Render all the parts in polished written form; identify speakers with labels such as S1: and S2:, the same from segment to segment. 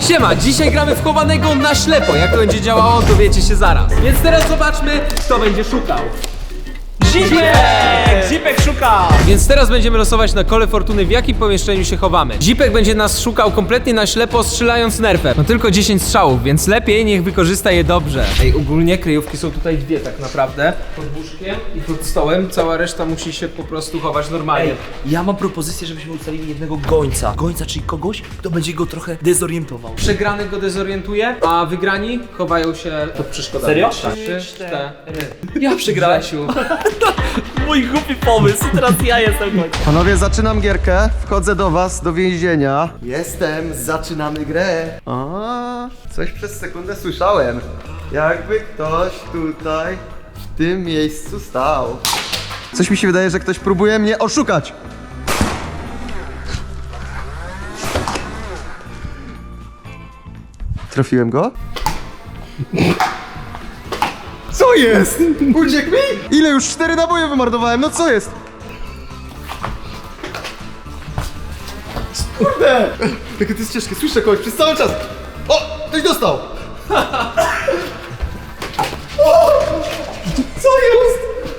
S1: Siema, dzisiaj gramy w chowanego na ślepo. Jak to będzie działało, dowiecie się zaraz. Więc teraz zobaczmy, kto będzie szukał.
S2: Zipek szuka!
S1: Więc teraz będziemy losować na kole fortuny, w jakim pomieszczeniu się chowamy. Zipek będzie nas szukał kompletnie na ślepo, strzelając nerfem. Ma tylko 10 strzałów, więc lepiej niech wykorzysta je dobrze. Ej, ogólnie kryjówki są tutaj dwie tak naprawdę. Pod łóżkiem i pod stołem. Cała reszta musi się po prostu chować normalnie.
S2: Ej, ja mam propozycję, żebyśmy ustalili jednego gońca. Gońca, czyli kogoś, kto będzie go trochę dezorientował.
S1: Przegrany go dezorientuje, a wygrani chowają się pod przeszkodami.
S2: Serio?
S1: 3, 4.
S2: Ja przegrałem.
S1: Grzesiu.
S2: Mój głupi pomysł, teraz ja jestem gońcem.
S3: Panowie, zaczynam gierkę. Wchodzę do was, do więzienia. Jestem, zaczynamy grę. A, coś przez sekundę słyszałem. Jakby ktoś tutaj, w tym miejscu stał. Coś mi się wydaje, że ktoś próbuje mnie oszukać. Trafiłem go? Co jest? Uciekł mi? Ile już? 4 naboje wymarnowałem, no co jest? Kurde! Jakie to jest ciężkie, słyszę kogoś przez cały czas. O! Ktoś dostał! O! Co jest?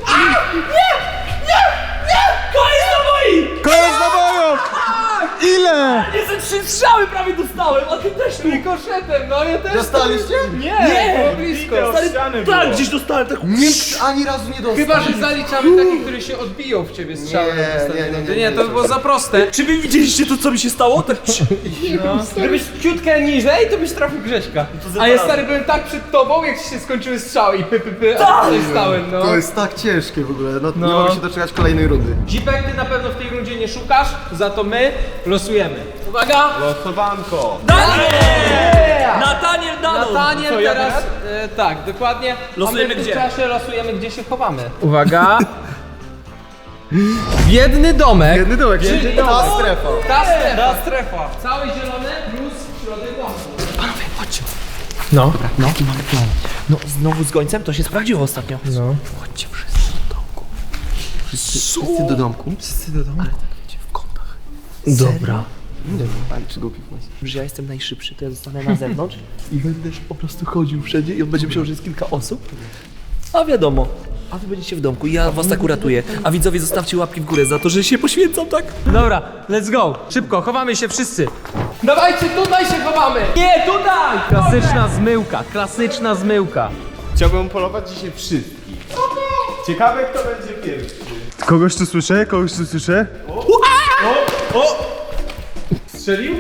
S2: Koniec na moi!
S3: Koniec nabojów! Ile?
S2: Jestem 3 strzały prawie dostałem, a ty też tu.
S1: Rikoszem, no ja też.
S3: Dostaliście?
S2: Nie!
S1: Było blisko.
S2: Stary, tak, gdzieś dostałem tak.
S3: Nikt ani razu nie dostał.
S1: Chyba, że zaliczamy takie, które się odbiją w ciebie strzałem. Nie, to by było za proste.
S2: Czy wy widzieliście to, co mi się stało? Tak.
S1: Gdybyś ciutkę niżej, to byś trafił Grześka. A ja stary byłem tak przed tobą, jak ci się skończyły strzały i a tutaj stałem, no.
S3: To jest tak ciężkie w ogóle, no. Nie mogę się doczekać kolejnej rundy.
S1: Zipek, ty na pewno w tej rundzie nie szukasz, za to my losujemy. Uwaga!
S4: Losowanko!
S2: Nataniel Dano!
S1: Nataniel teraz, tak, dokładnie.
S2: Losujemy
S1: A my w
S2: gdzie?
S1: tym czasie losujemy, gdzie się chowamy. Uwaga! Biedny domek.
S3: Jedny dołek,
S1: Czyli
S3: ta strefa.
S1: Ta strefa. Cały zielony plus środek domku.
S2: Panowie, chodźcie.
S1: No.
S2: No, i mamy plan. No, znowu z gońcem to się sprawdziło ostatnio.
S1: No.
S2: Chodźcie wszyscy do domku.
S3: Wszyscy do domku? Wszyscy do domku?
S2: Ale tak wiecie, w kątach.
S1: Dobra.
S3: Pani czy głupi pomysł?
S2: Że ja jestem najszybszy, to ja zostanę na zewnątrz i będę po prostu chodził wszędzie i on będzie myślał, że jest kilka osób. A wiadomo, a wy będziecie w domku i ja was tak uratuję. A widzowie, zostawcie łapki w górę za to, że się poświęcam, tak?
S1: Dobra, let's go. Szybko, chowamy się wszyscy. Dawajcie, tutaj się chowamy.
S2: Nie, tutaj!
S1: Klasyczna zmyłka, klasyczna zmyłka.
S4: Chciałbym polować dzisiaj wszystkich. Ciekawe, kto będzie pierwszy.
S3: Kogoś tu słyszę? Kogoś tu słyszę?
S4: Strzelił?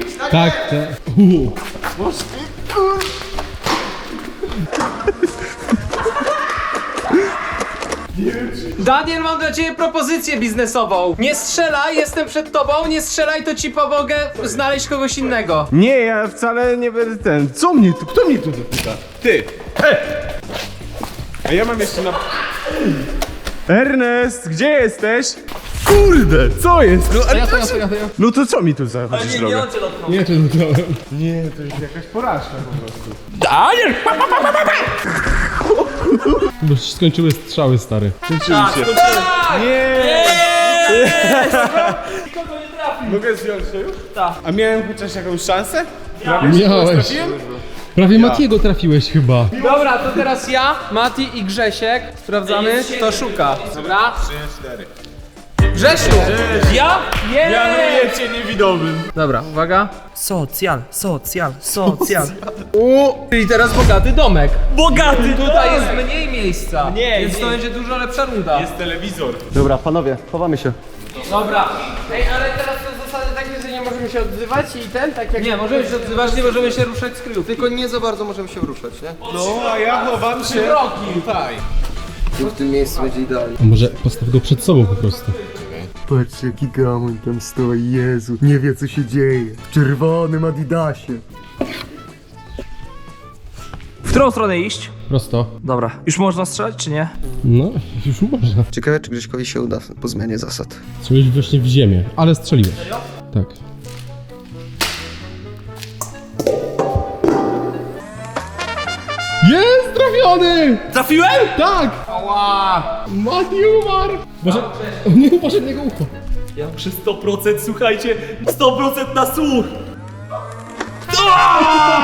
S1: Daniel, mam dla ciebie propozycję biznesową. Nie strzelaj, jestem przed tobą, nie strzelaj, to ci pomogę znaleźć kogoś innego.
S4: Nie, ja wcale nie będę ten. Co mnie tu? Kto mnie tu dotyka? Ty! A ja mam jeszcze na... Ernest, gdzie jesteś? Kurde, co jest? No, ale no to co mi tu zachodzisz drogę?
S2: on cię dotknął.
S4: Nie, to jest jakaś porażka po prostu.
S2: Daniel!
S5: Bo się skończyły strzały, stary.
S4: Skończyły się. Nie!
S2: Nikogo nie trafił.
S4: Mogę zdjąć to już?
S2: Tak.
S4: A miałem chociaż jakąś szansę?
S5: Miałeś.
S4: Trafiłem?
S5: Prawie Matiego trafiłeś chyba.
S1: Dobra, to teraz ja, Mati i Grzesiek sprawdzamy, kto szuka. Dobra?
S4: 3, 4.
S1: Grzesiu!
S2: Ja?
S4: Mianuję cię niewidomym.
S1: Dobra, uwaga.
S2: Socjal.
S1: Czyli teraz bogaty domek.
S2: Bogaty!
S1: Tutaj jest mniej miejsca,
S2: Mniej,
S1: więc to
S2: mniej.
S1: będzie dużo lepsza runda.
S4: Jest telewizor.
S3: Dobra, panowie, chowamy się.
S1: Dobra.
S6: Ej, ale teraz są zasady takie, że nie możemy się odzywać i tak jak...
S1: Nie, możemy się odzywać, nie możemy się ruszać z kryjówki.
S3: Tylko nie za bardzo możemy się ruszać, nie?
S4: No, a ja chowam się tutaj.
S3: Tu w tym miejscu będzie idealnie.
S5: A może postaw go przed sobą po prostu.
S3: Patrzcie, jaki gamoń tam stoi, Jezu. Nie wie, co się dzieje. W czerwonym Adidasie.
S2: W którą stronę iść?
S5: Prosto.
S2: Dobra. Już można strzelać, czy nie?
S5: No, już można.
S3: Ciekawe, czy Grześkowi się uda po zmianie zasad.
S5: Strzeliłeś właśnie w ziemię, ale strzeliłeś. Tak. Jest trafiony!
S2: Trafiłem?
S5: Tak! Ała! Mati umarł! Może... Nie poszedł niego ucho.
S2: Ja muszę 100%, słuchajcie, 100% na słuch!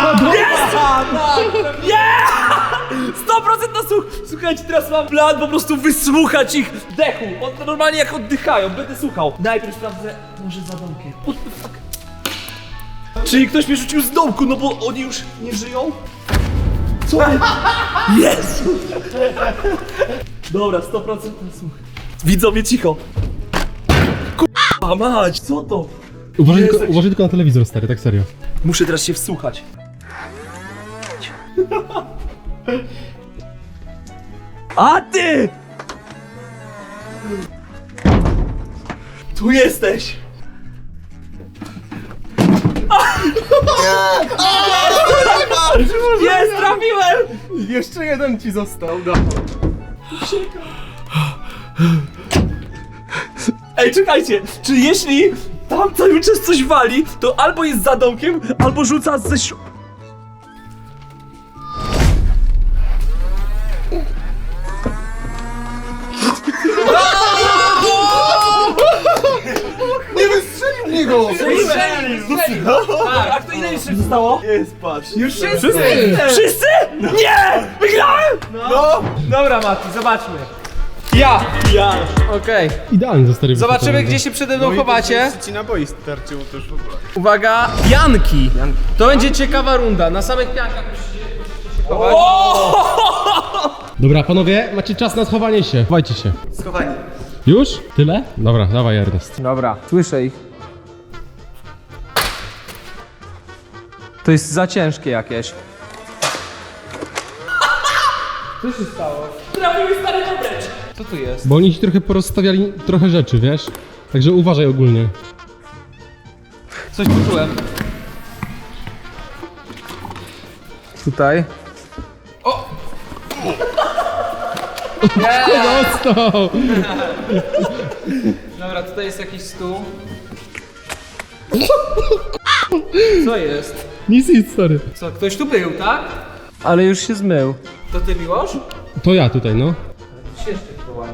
S2: Nie! 100% na słuch! Słuchajcie, teraz mam plan po prostu wysłuchać ich dechu. Normalnie jak oddychają, będę słuchał. Najpierw sprawdzę, może za domkiem. What the fuck? Czyli ktoś mnie rzucił z domku, no bo oni już nie żyją? Co? Jezu! Dobra, 100% na słuch. Widzowie, cicho. Kurwa mać, co to?
S5: Uważaj tylko na telewizor, stary, tak serio.
S2: Muszę teraz się wsłuchać. A ty! Tu jesteś! Jest, trafiłem!
S4: Jeszcze jeden ci został, no.
S2: Ej, czekajcie, czy jeśli tam cały czas coś wali, to albo jest za domkiem, albo rzuca ze
S3: Nie wystrzelił mnie go!
S2: A kto ile jeszcze zostało?
S3: Jest, patrz.
S1: Już wszyscy!
S2: Wszyscy? Nie! Wygrałem!
S1: No. Dobra, Mati, zobaczmy. Ja! Okej.
S5: Idealnie za stary
S1: Zobaczymy,
S5: wyszedł.
S1: gdzie się przede mną chowacie.
S4: Ci naboi starczyło też w ogóle.
S1: Uwaga, pianki. To będzie ciekawa runda. Na samych piankach musicie się chować.
S5: Dobra, panowie, macie czas na schowanie się. Chowajcie się.
S3: Schowani.
S5: Już? Tyle? Dobra, dawaj Ernest.
S1: Dobra, słyszę ich. To jest za ciężkie jakieś. Co się stało?
S2: Trafiły stary dobreć!
S1: Co tu jest?
S5: Bo oni ci trochę porozstawiali trochę rzeczy, wiesz? Także uważaj ogólnie.
S1: Coś poczułem. Tutaj. O!
S5: Dostał!
S1: Dobra, tutaj jest jakiś stół. Co jest?
S5: Nic, stary.
S1: Co, ktoś tu był, tak? Ale już się zmył. To ty, Miłosz?
S5: To ja tutaj, no.
S1: Jeszcze to ładnie.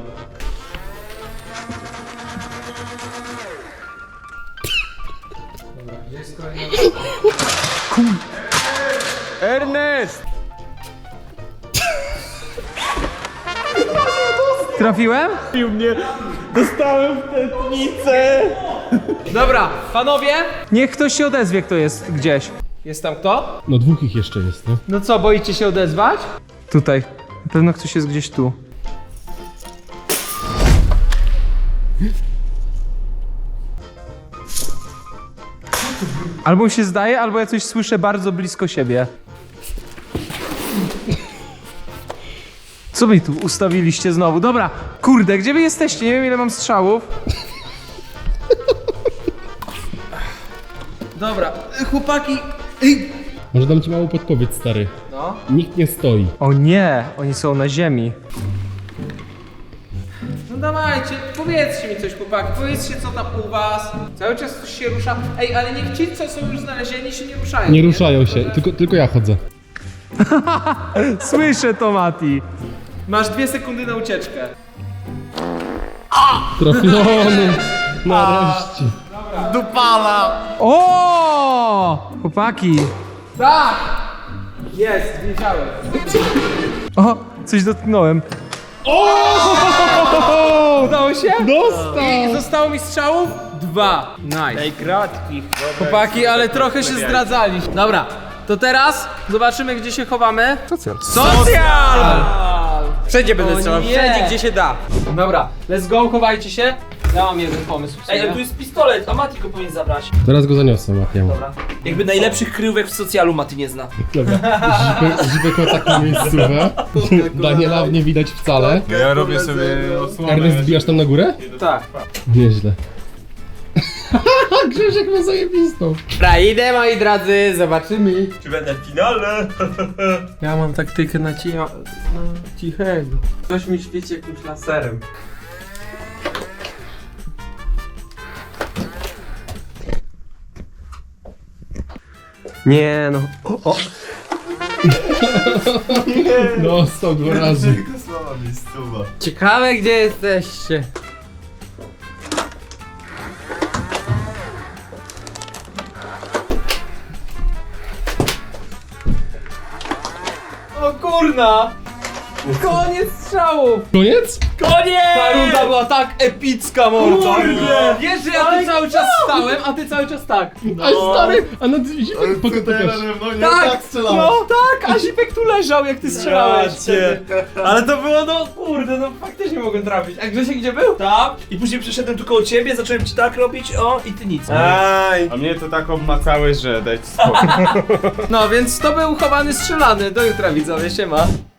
S1: Dobra, gdzie jest kolejna? Ernest! Trafiłem?
S2: Trafił mnie! Dostałem w tętnicę!
S1: Dobra, panowie, niech ktoś się odezwie, kto jest gdzieś. Jest tam kto?
S5: No dwóch ich jeszcze jest, no.
S1: No co, boicie się odezwać? Tutaj. Na pewno ktoś jest gdzieś tu. Albo mi się zdaje, albo ja coś słyszę bardzo blisko siebie. Co wy tu ustawiliście znowu? Dobra, kurde, gdzie wy jesteście? Nie wiem, ile mam strzałów. Dobra, chłopaki.
S5: Może dam ci małą podpowiedź, stary.
S1: No.
S5: Nikt nie stoi.
S1: O nie, oni są na ziemi. No dawajcie, powiedzcie mi coś, chłopaki, powiedzcie co tam u was. Cały czas coś się rusza. Ej, ale niech ci, co są już znalezieni, się nie ruszają.
S5: Nie ruszają się, tylko ja chodzę.
S1: Słyszę to, Mati. Masz 2 sekundy na ucieczkę.
S5: Trafiony! Nareszcie.
S1: O! Chłopaki. Tak! Jest, wiedziałem. O, coś dotknąłem. O! Udało się?
S5: Dostał!
S1: I zostało mi strzałów 2. Nice.
S2: Ej, gratki!
S1: Chłopaki, ale trochę się zdradzali. Dobra, to teraz zobaczymy, gdzie się chowamy. Socjal!
S6: Wszędzie będę strzelał,
S1: nie.
S6: wszędzie gdzie się da.
S1: Dobra, let's go, chowajcie się. Ja mam jeden pomysł w
S2: Ej, ale tu
S1: sumie.
S2: jest pistolet, a Mati go powinien zabrać.
S5: Teraz go zaniosę, Matiemu.
S2: Dobra. Jakby najlepszych kryjówek w socjalu Mati nie zna.
S5: Dobra. Zipek ma taką miejscówę. Daniela nie widać wcale.
S4: Ja robię sobie osłonę.
S5: Ernest, wbijasz tam na górę?
S1: Tak.
S5: Nieźle. Grzesiek ma zajebistą.
S6: Dobra, idę moi drodzy, zobaczymy.
S2: Czy będę w finale?
S6: Ja mam taktykę na cichego. Ktoś mi świeci jakimś laserem. Nie no. O.
S5: Dostał 2 razy.
S3: Słaba miejscowa.
S6: Ciekawe gdzie jesteście.
S1: O kurna! Koniec strzałów!
S5: Koniec?
S1: Ta runda była tak epicka, mordo!
S2: Kurde!
S1: Wiesz, że ja tu cały czas stałem, a ty cały czas tak.
S5: A stary, a na Zipek pokaż.
S1: Tak, no tak, a Zipek tu leżał, jak ty strzelałeś. Ale to było, no kurde, no faktycznie mogłem trafić. A Grzesiek gdzie był? Tam.
S2: I później przyszedłem tu koło ciebie, zacząłem ci tak robić, o i ty nic.
S1: Aj.
S4: A mnie to tak obmacałeś, że dajcie spokój.
S1: No więc to był chowany strzelany. Do jutra widzowie, siema.